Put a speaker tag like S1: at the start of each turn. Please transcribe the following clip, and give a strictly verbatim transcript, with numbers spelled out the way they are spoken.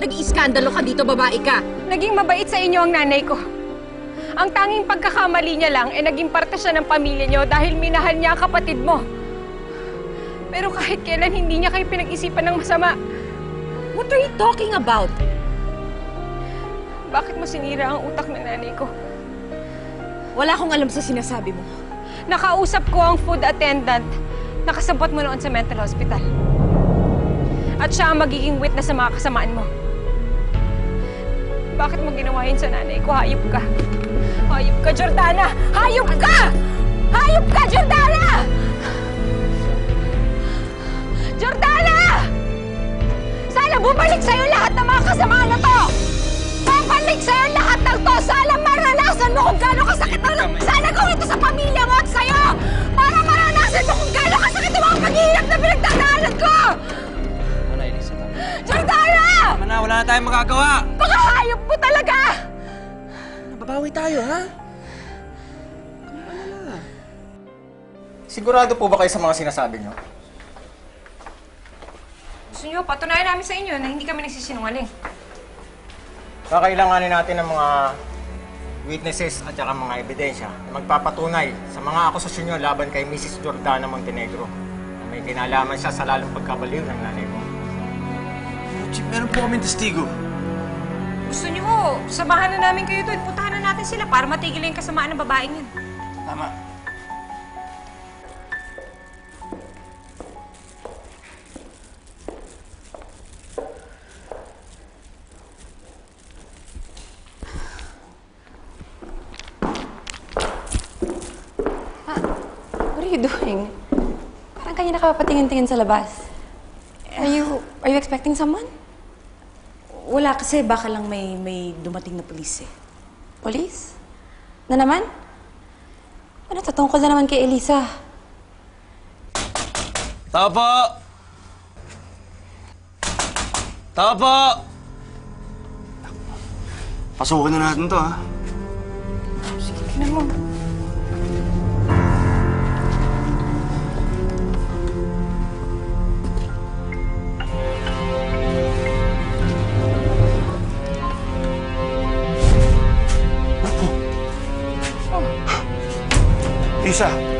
S1: nag-iiskandalo ka dito, babae ka?
S2: Naging mabait sa inyo ang nanay ko. Ang tanging pagkakamali niya lang ay naging parte siya ng pamilya niyo dahil minahal niya ang kapatid mo. Pero kahit kailan hindi niya kayo pinag-isipan ng masama.
S1: What are you talking about?
S2: Bakit mo sinira ang utak ng nanay ko?
S1: Wala akong alam sa sinasabi mo.
S2: Nakausap ko ang food attendant na kasabot mo noon sa mental hospital. At siya ang magiging witness sa mga kasamaan mo. Bakit mo ginawa yun sa nanay ko? Hayop ka. Hayop ka, Jordana! Hayop ka! Hayop ka, Jordana! Jordana! Sana bumalik sa'yo lahat ng mga kasamaan na to! Babalik sa'yo lahat ng to! Sana maranasan mo kung gaano kasakit ang... Sana gawin ito sa pamilya mo at sa'yo! Para maranasan mo kung gaano kasakit ang mga paghihirap na pinagdadaanan ko!
S3: Ano, Elisa?
S2: Jordana!
S3: Tama na, wala na tayong magagawa!
S2: Baka hayop mo talaga!
S3: Babawi tayo, ha?
S4: Sigurado po ba kayo sa mga sinasabi niyo?
S2: Gusto niyo, patunayan namin sa inyo na hindi kami nagsisinungaling.
S4: Kakailanganin natin ng mga witnesses at saka mga ebidensya na magpapatunay sa mga akusasyon niyo laban kay Missus Jordana Montenegro na may kinalaman siya sa lalong pagkabaliw ng nanay mo.
S3: Chief, meron po kaming testigo.
S2: Gusto niyo, samahan na namin kayo doon. Puntahan na natin sila para matigil yung kasamaan ng babaeng yun.
S3: Tama.
S5: What are you doing? Parang kanina ka patingin-tingin sa labas. Are you, are you expecting someone?
S1: Wala kasi baka lang may, may dumating na pulis eh.
S5: Police? Na naman? Ano, tatungkol na naman kay Elisa.
S3: Tao po! Tao po! Pasukin na natin to, ha?
S5: Tignan mo.
S3: Lisa,